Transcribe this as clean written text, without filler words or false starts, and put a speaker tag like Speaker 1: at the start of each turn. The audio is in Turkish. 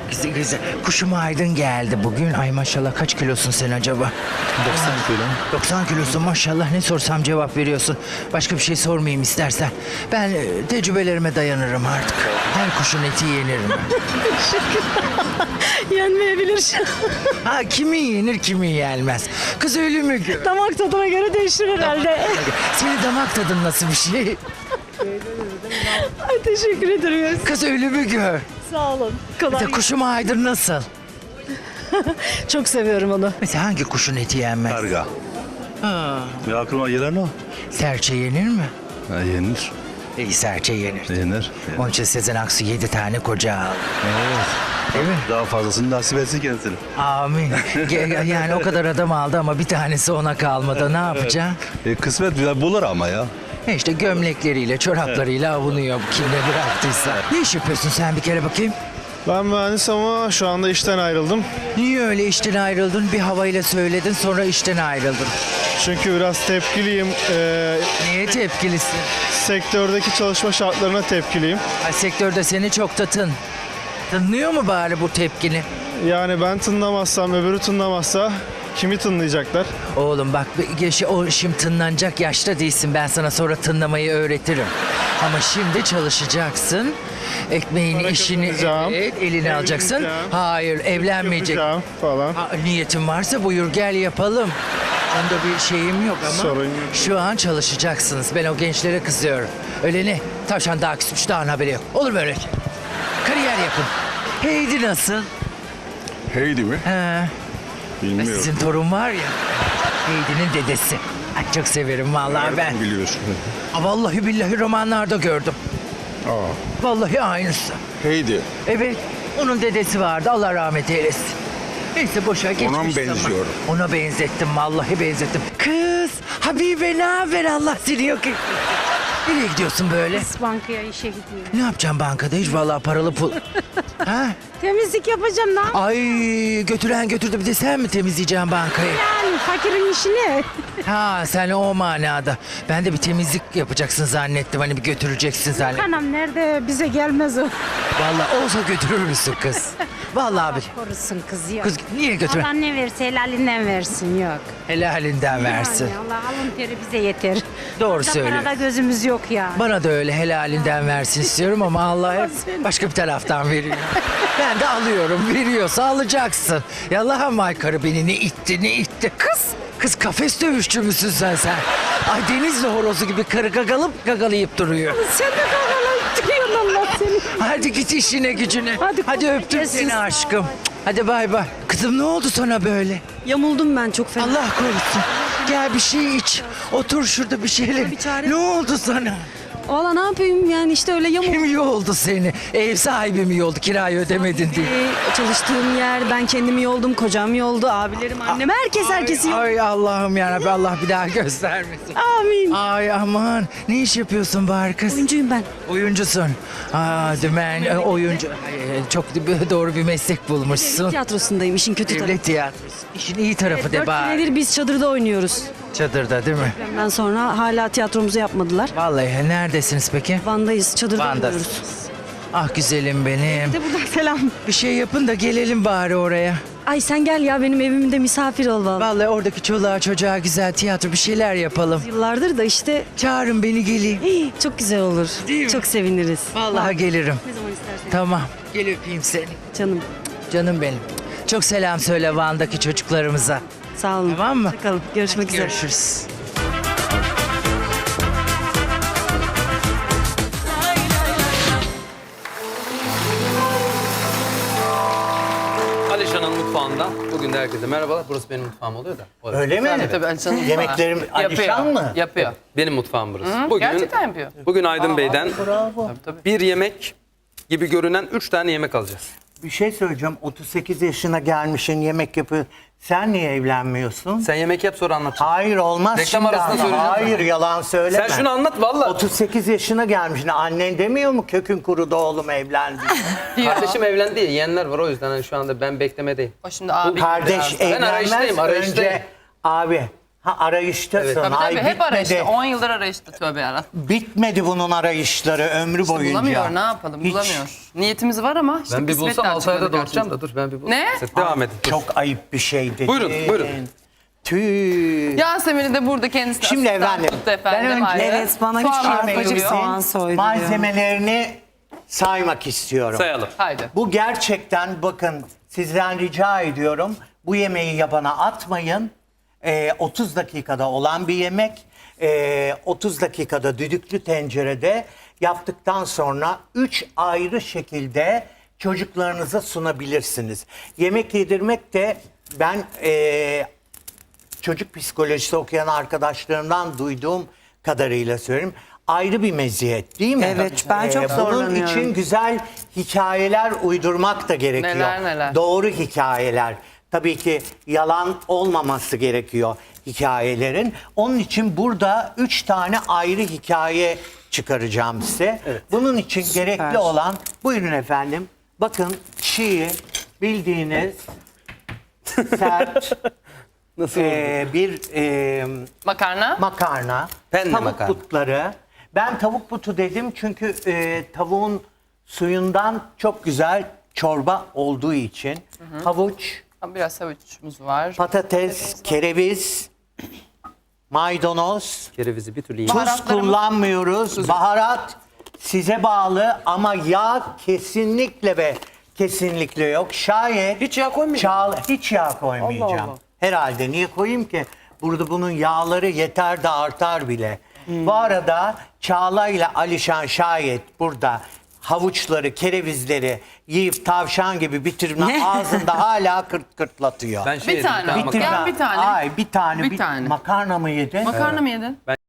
Speaker 1: Güzel güzel. Kuşum Aydın geldi bugün. Ay maşallah kaç kilosun sen acaba?
Speaker 2: 90 kilo.
Speaker 1: 90 kilosun maşallah, ne sorsam cevap veriyorsun. Başka bir şey sormayayım istersen. Ben tecrübelerime dayanırım artık. Her kuşun eti yenir mi?
Speaker 3: Yenmeyebilir.
Speaker 1: Ha, kimi yenir kimi yenmez. Kız ölü mü gör?
Speaker 3: Damak tadına göre değişir herhalde.
Speaker 1: Senin damak tadın nasıl bir şey?
Speaker 3: Ay, teşekkür ederim.
Speaker 1: Kız ölü mü gör?
Speaker 3: Sağ olun. Kolay.
Speaker 1: Kuşum Aydın nasıl?
Speaker 3: Çok seviyorum onu.
Speaker 1: Mesela hangi kuşun eti yenmez?
Speaker 2: Karga.
Speaker 1: Ha,
Speaker 2: Ya aklıma gelen o.
Speaker 1: serçe yenir mi?
Speaker 2: Ha, yenir.
Speaker 1: İyi, serçe yenir.
Speaker 2: Yenir.
Speaker 1: Onun için Sezen Aksu 7 tane koca aldı.
Speaker 2: Evet.
Speaker 1: Değil mi?
Speaker 2: Daha fazlasını nasip etsin kendisine.
Speaker 1: Amin. Yani o kadar adam aldı ama bir tanesi ona kalmadı. Ne yapacaksın?
Speaker 2: Kısmet bulur ama ya.
Speaker 1: İşte gömlekleriyle, çoraplarıyla avunuyor kimle bıraktıysa. Ne iş yapıyorsun sen bir kere bakayım?
Speaker 4: Ben mühendis ama şu anda işten ayrıldım.
Speaker 1: Niye öyle işten ayrıldın? Bir havayla söyledin, sonra işten ayrıldın.
Speaker 4: Çünkü biraz tepkiliyim.
Speaker 1: Niye tepkilisin?
Speaker 4: Sektördeki çalışma şartlarına tepkiliyim.
Speaker 1: Ay, sektörde seni çok da tınlıyor mu bari bu tepkini?
Speaker 4: Yani ben tınlamazsam, öbürü tınlamazsa kimi tınlayacaklar?
Speaker 1: Oğlum bak, o şimdi tınlanacak yaşta değilsin. Ben sana sonra tınlamayı öğretirim. Ama şimdi çalışacaksın. Ekmeğini,
Speaker 4: Para
Speaker 1: işini
Speaker 4: kazanacağım,
Speaker 1: eline alacaksın.
Speaker 4: evleneceğim,
Speaker 1: Hayır, evlenmeyecek.
Speaker 4: Yapacağım falan.
Speaker 1: Niyetin varsa buyur gel yapalım. Onda bir şeyim yok ama
Speaker 4: Sorun yok.
Speaker 1: şu an çalışacaksınız. Ben o gençlere kızıyorum. Öyle ne? Tavşan daha küsmüş, daha haberi yok. Olur mu öyle şey? Kariyer yapın. Heidi nasıl?
Speaker 2: Heidi mi?
Speaker 1: He.
Speaker 2: Bilmiyorum.
Speaker 1: Sizin torun var ya. Heidi'nin dedesi. Ay, çok severim vallahi ben.
Speaker 2: Biliyorsun.
Speaker 1: Vallahi billahi romanlarda gördüm. Vallahi aynısı.
Speaker 2: Heidi.
Speaker 1: Evet. Onun dedesi vardı. Allah rahmet eylesin. Neyse boşa geçmiş
Speaker 2: Ona mı
Speaker 1: zaman.
Speaker 2: benziyor?
Speaker 1: Ona benzettim. Vallahi benzettim. Kız. Habibe ne haber? Allah seni yok etsin. Nereye gidiyorsun böyle?
Speaker 5: Bankaya işe gidiyorum.
Speaker 1: Ne yapacaksın bankada? Hiç vallahi paralı pul. Ha?
Speaker 5: Temizlik yapacağım lan.
Speaker 1: Ay, götüren götürdü. Bir de sen mi temizleyeceksin bankayı?
Speaker 5: Yani fakirin işini.
Speaker 1: Ha, sen o manada. Ben de bir temizlik yapacaksın zannettim. Hani bir götüreceksin zannettim.
Speaker 5: Anam nerede bize gelmez o.
Speaker 1: Vallahi olsa götürür müsün kız? Vallahi abi.
Speaker 5: Korusun kız yok.
Speaker 1: Kız niye götür?
Speaker 5: Allah ne verse helalinden versin yok.
Speaker 1: Helalinden versin.
Speaker 5: Yani Allah alın teri bize yeter.
Speaker 1: Doğru
Speaker 5: Orada
Speaker 1: söylüyor.
Speaker 5: parada gözümüz yok ya.
Speaker 1: Bana da öyle helalinden versin istiyorum ama Allah hep başka bir taraftan veriyor. Ben de alıyorum. Veriyorsa alacaksın. Ya Allah'ım, aykırı beni ne itti ne itti. Kız kafes dövüşçü müsün sen? Ay, Denizli horozu gibi karı gagalayıp duruyor.
Speaker 5: Sen de kavgalayıp duruyorsun Allah seni.
Speaker 1: Hadi git işine gücüne.
Speaker 5: Hadi
Speaker 1: Hadi
Speaker 5: kolay
Speaker 1: öptüm
Speaker 5: gelsin.
Speaker 1: seni aşkım. Hadi bay bay. Kızım ne oldu sana böyle?
Speaker 3: Yamuldum ben çok fena.
Speaker 1: Allah korusun. Gel bir şey iç. Otur şurada bir şeyler.
Speaker 3: Bir çare-
Speaker 1: Ne oldu sana?
Speaker 3: Valla ne yapayım yani işte öyle yamuldum.
Speaker 1: Kim yoldu seni? Ev sahibi mi yoldu? Kirayı ödemedin diye.
Speaker 3: Çalıştığım yer, ben kendimi yoldum, kocam yoldu, abilerim, annem, herkesi yoldu.
Speaker 1: Ay Allah'ım yarabbim, Allah bir daha göstermesin.
Speaker 3: Amin.
Speaker 1: Ay aman, ne iş yapıyorsun bari kız?
Speaker 3: Oyuncuyum ben.
Speaker 1: Oyuncusun. Dümen oyuncu. Ay, çok doğru bir meslek bulmuşsun.
Speaker 3: Tiyatrosundayım, işin kötü tarafı.
Speaker 1: Devlet tiyatrosu. İşin iyi tarafı de
Speaker 3: 4
Speaker 1: bari.
Speaker 3: senedir biz çadırda oynuyoruz.
Speaker 1: Çadırda değil mi?
Speaker 3: Ondan sonra hala tiyatromuzu yapmadılar.
Speaker 1: Vallahi neredesiniz peki?
Speaker 3: Van'dayız, çadırda oynuyoruz.
Speaker 1: Van'dasınız. Ah güzelim benim.
Speaker 3: De buradan selam.
Speaker 1: Bir şey yapın da gelelim bari oraya.
Speaker 3: Ay sen gel ya benim evimde misafir ol vallahi.
Speaker 1: Vallahi oradaki çoluğa çocuğa güzel tiyatro bir şeyler yapalım.
Speaker 3: Yıllardır da işte
Speaker 1: Çağırın beni geleyim.
Speaker 3: hii, çok güzel olur.
Speaker 1: Değil mi?
Speaker 3: Çok seviniriz.
Speaker 1: Vallahi gelirim.
Speaker 3: Ne zaman istersen.
Speaker 1: Tamam. Gel öpeyim seni.
Speaker 3: Canım
Speaker 1: Canım benim. Çok selam söyle Van'daki çocuklarımıza.
Speaker 3: sağ olun.
Speaker 1: Tamam mı?
Speaker 3: Bakalım görüşmek üzere.
Speaker 1: Görüşürüz.
Speaker 6: Alişan'ın mutfağında. Bugün de herkese merhabalar. Burası benim mutfağım oluyor da. Orası.
Speaker 7: Öyle mi?
Speaker 6: Tabii Alişan'ın mutfağı.
Speaker 7: Yemeklerim Alişan mı?
Speaker 6: Yapıyor. Benim mutfağım burası. Bugün,
Speaker 8: Gerçekten yapıyor.
Speaker 6: Bugün Aydın Bey'den
Speaker 7: Bravo.
Speaker 6: bir yemek gibi görünen 3 tane yemek alacağız.
Speaker 7: Bir şey söyleyeceğim. 38 yaşına gelmişsin, yemek yapıyor. Sen niye evlenmiyorsun?
Speaker 6: Sen yemek yap sonra anlatacağım.
Speaker 7: Hayır olmaz
Speaker 6: Reklam
Speaker 7: şimdi
Speaker 6: arasında
Speaker 7: ama.
Speaker 6: söyleyeceğim
Speaker 7: Hayır
Speaker 6: sana.
Speaker 7: yalan söyleme.
Speaker 6: Sen şunu anlat valla.
Speaker 7: 38 yaşına gelmişsin. Annen demiyor mu kökün kurudu oğlum evlendi?
Speaker 6: Kardeşim evlendi. Yeğenler var o yüzden hani şu anda ben beklemedeyim.
Speaker 8: O şimdi abi.
Speaker 7: Kardeş
Speaker 6: Ben
Speaker 7: evlenmez
Speaker 6: arayıştayım.
Speaker 7: önce abi Ha arayıştasın.
Speaker 6: Evet.
Speaker 8: Tabii
Speaker 7: Ay
Speaker 8: tabii hep
Speaker 7: bitmedi.
Speaker 8: arayışta. 10 yıldır arayışta tövbe yarabbim.
Speaker 7: Bitmedi bunun arayışları ömrü boyunca.
Speaker 8: Bulamıyor ne yapalım
Speaker 7: Hiç.
Speaker 8: bulamıyor. Niyetimiz var ama işte
Speaker 6: Ben bir
Speaker 8: kısmet
Speaker 6: bulsam 6 ayda
Speaker 8: çıkmadı
Speaker 6: doğuracağım
Speaker 8: karşımıza.
Speaker 6: da dur ben bir bulayım.
Speaker 8: Ne?
Speaker 6: Siz devam edin. Dur.
Speaker 7: Çok ayıp bir şey dedi.
Speaker 6: Buyurun.
Speaker 7: Tüh.
Speaker 8: Yasemin'i de burada kendisi
Speaker 7: Şimdi
Speaker 8: asistan
Speaker 7: efendim,
Speaker 8: tuttu efendim.
Speaker 7: ben önce-
Speaker 8: ayrı.
Speaker 3: Evet, bana
Speaker 8: Soğan
Speaker 3: küçük
Speaker 8: arpacık
Speaker 3: arpacık
Speaker 8: soğan.
Speaker 3: soğan soyduruyor.
Speaker 7: Malzemelerini saymak istiyorum.
Speaker 6: Sayalım.
Speaker 8: Haydi.
Speaker 7: Bu gerçekten bakın sizden rica ediyorum. Bu yemeği yabana atmayın. 30 dakikada olan bir yemek. 30 dakikada düdüklü tencerede yaptıktan sonra 3 ayrı şekilde çocuklarınıza sunabilirsiniz. Yemek yedirmek de ben çocuk psikolojisi okuyan arkadaşlarımdan duyduğum kadarıyla söyleyeyim. Ayrı bir meziyet değil mi?
Speaker 3: Evet, ben çok
Speaker 7: Bunun
Speaker 3: zorlanıyorum.
Speaker 7: için güzel hikayeler uydurmak da gerekiyor.
Speaker 8: Neler.
Speaker 7: Doğru hikayeler. Tabii ki yalan olmaması gerekiyor hikayelerin. Onun için burada 3 tane ayrı hikaye çıkaracağım size. Bunun için gerekli olan, buyurun efendim. Bakın çiğ bildiğiniz sert
Speaker 6: Nasıl
Speaker 7: bir
Speaker 8: Makarna.
Speaker 7: makarna,
Speaker 6: Penne
Speaker 7: tavuk
Speaker 6: makarna.
Speaker 7: butları. Ben tavuk butu dedim çünkü tavuğun suyundan çok güzel çorba olduğu için havuç,
Speaker 8: Biraz havuçumuz var.
Speaker 7: patates, kereviz, maydanoz,
Speaker 6: Kerevizi bir türlü
Speaker 7: tuz
Speaker 8: Baharatlarımız-
Speaker 7: kullanmıyoruz. Baharat size bağlı ama yağ kesinlikle ve kesinlikle yok. Şayet
Speaker 6: Hiç yağ koymayacağım.
Speaker 7: hiç yağ koymayacağım.
Speaker 6: Allah Allah.
Speaker 7: Herhalde niye koyayım ki? Burada bunun yağları yeter de artar bile. Bu arada Çağla ile Alişan şayet burada havuçları, kerevizleri yiyip tavşan gibi bitirme ağzında hala kırt kırtlatıyor.
Speaker 6: Ben şey
Speaker 8: Bir
Speaker 6: yedim,
Speaker 8: tane
Speaker 6: tane
Speaker 8: ama.
Speaker 6: makarna.
Speaker 8: Gel bir tane.
Speaker 7: Ay bir tane.
Speaker 8: Bir tane.
Speaker 7: Makarna mı yedin?
Speaker 8: Makarna mı yedin?